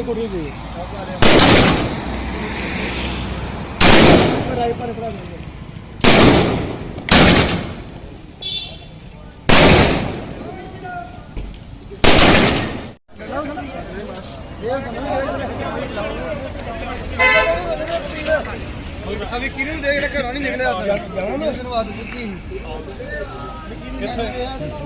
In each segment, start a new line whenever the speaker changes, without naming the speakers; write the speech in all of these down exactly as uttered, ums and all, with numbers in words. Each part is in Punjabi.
ਕੋਠੀ ਦੇ ਰਾਈ ਪਰ ਪੜਾ ਦੇ ਅਭੀ ਕਿਹਨੂੰ ਦੇਖ ਰਿਹਾ ਘਰੋਂ ਨਹੀਂ ਨਿਕਲਿਆ ਜਾਣਾ ਨਾ ਇਸ ਨੂੰ ਆਦਤ ਚੁੱਕੀ ਕਿੱਥੇ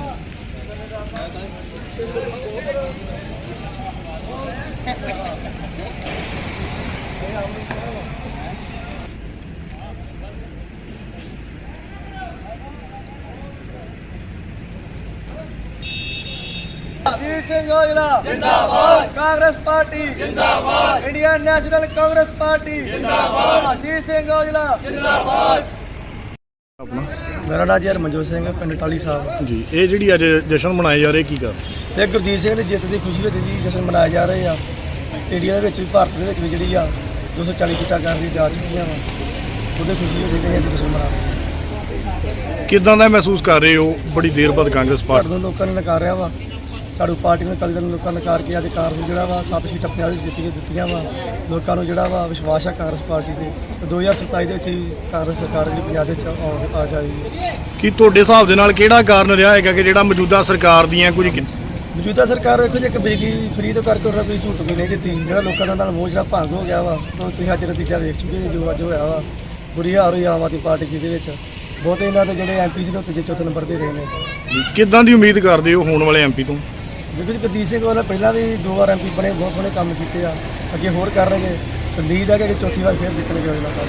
अजीत सिंह औजला जिंदाबाद, कांग्रेस पार्टी जिंदाबाद, इंडियन नेशनल कांग्रेस पार्टी जिंदाबाद, अजीत सिंह औजला जिंदाबाद।
ਆਪਣਾ
मेरा नाम जी हरमनजोत सिंह है, पिंड टाली साहब
ਜੀ ਇਹ ਜਿਹੜੀ ਅੱਜ ਜਸ਼ਨ ਮਨਾਏ ਜਾ ਰਹੇ ਕੀ ਕਰ
ਤੇ ਗੁਰਜੀਤ ਸਿੰਘ ਦੀ ਜਿੱਤ ਦੀ ਖੁਸ਼ੀ ਵਿੱਚ ਜੀ ਜਸ਼ਨ ਮਨਾਏ ਜਾ ਰਹੇ ਆ। ਇੰਡੀਆ ਦੇ ਵਿੱਚ ਵੀ ਭਾਰਤ ਦੇ ਵਿੱਚ ਵੀ ਜਿਹੜੀ ਆ ਦੋ ਸੌ ਚਾਲੀ ਸੀਟਾਂ ਕਰਨ ਦੀ ਜਾ ਚੁੱਕੀਆਂ ਵਾ, ਉਹਦੇ ਖੁਸ਼ੀ ਵਿੱਚ ਜਿਹੜੇ ਅੱਜ ਜਸ਼ਨ ਮਨਾ ਰਹੇ।
ਕਿਦਾਂ ਦਾ ਮਹਿਸੂਸ ਕਰ ਰਹੇ ਹੋ ਬੜੀ ਦੇਰ ਬਾਅਦ ਕਾਂਗਰਸ
ਭਾਰਤ
ਪਾਰਟੀ
ਨੂੰ ਲੋਕਾਂ ਨੇ ਨਕਾਰਿਆ ਵਾ, ਸਾਡੀ ਪਾਰਟੀ ਨੂੰ ਅਕਾਲੀ ਦਲ ਨੂੰ ਲੋਕਾਂ ਨੇ ਨਕਾਰ ਕੇ ਅੱਜ ਕਾਂਗਰਸ ਜਿਹੜਾ ਵਾ ਸੱਤ ਸੀਟਾਂ ਪੰਜਾਬ ਵਿੱਚ ਜਿੱਤ ਕੇ ਦਿੱਤੀਆਂ ਵਾ। ਲੋਕਾਂ ਨੂੰ ਜਿਹੜਾ ਵਾ ਵਿਸ਼ਵਾਸ ਆ ਕਾਂਗਰਸ ਪਾਰਟੀ ਤੇ ਤੇ ਦੋ ਹਜ਼ਾਰ ਸਤਾਈ ਦੇ ਵਿੱਚ ਵੀ ਕਾਂਗਰਸ ਸਰਕਾਰ ਜਿਹੜੀ ਪੰਜਾਬ ਦੇ ਵਿੱਚ ਆ- ਆ ਜਾਏਗੀ।
ਕੀ ਤੁਹਾਡੇ ਹਿਸਾਬ ਦੇ ਨਾਲ ਕਿਹੜਾ ਕਾਰਨ ਰਿਹਾ ਹੈਗਾ ਕਿ ਜਿਹੜਾ ਮੌਜੂਦਾ ਸਰਕਾਰ ਦੀਆਂ ਕੁਝ
ਮੌਜੂਦਾ ਸਰਕਾਰ ਵੇਖੋ ਜੇ ਇੱਕ ਬਿਜਲੀ ਫਰੀ ਤੋਂ ਕਰਕੇ ਉਹਨਾਂ ਕੋਈ ਸਹੂਲਤ ਵੀ ਨਹੀਂ ਦਿੱਤੀ, ਜਿਹੜਾ ਲੋਕਾਂ ਦਾ ਨਾਲ ਮੋਹ ਜਿਹੜਾ ਭੰਗ ਹੋ ਗਿਆ ਵਾ, ਉਹ ਤੁਸੀਂ ਅੱਜ ਨਤੀਜਾ ਵੇਖ ਚੁੱਕੇ ਜੀ ਜੋ ਅੱਜ ਹੋਇਆ ਵਾ। ਬੁਰੀ ਹਾਲ ਹੋਈ ਆਮ ਆਦਮੀ ਪਾਰਟੀ ਜਿਹਦੇ ਵਿੱਚ ਬਹੁਤੇ ਇਹਨਾਂ ਦੇ ਜਿਹੜੇ ਐਮਪੀ ਸੀ ਦੇ ਉੱਤੇ ਜੇ ਚੌਥੇ ਨੰਬਰ ਤੇ ਰਹੇ ਨੇ।
ਕਿੱਦਾਂ ਦੀ ਉਮੀਦ ਕਰਦੇ ਹੋ ਹੋਣ ਵਾਲੇ ਐਮਪੀ ਤੋਂ?
ਦੇਖੋ ਜੀ ਗੁਰਦੀਪ ਸਿੰਘ ਵਾਲਾ ਪਹਿਲਾਂ ਵੀ ਦੋ ਵਾਰ ਐਮਪੀ ਬਣੇ, ਬਹੁਤ ਸੋਹਣੇ ਕੰਮ ਕੀਤੇ ਆ, ਅੱਗੇ ਹੋਰ ਕਰਨਗੇ। ਉਮੀਦ ਹੈ ਕਿ ਚੌਥੀ ਵਾਰ ਫਿਰ ਜਿੱਤਣਗੇ ਅਗਲਾ ਸਾਲ।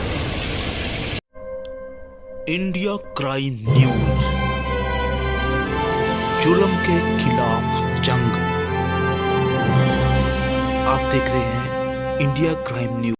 इंडिया क्राइम न्यूज, जुल्म के खिलाफ जंग। आप देख रहे हैं इंडिया क्राइम न्यूज।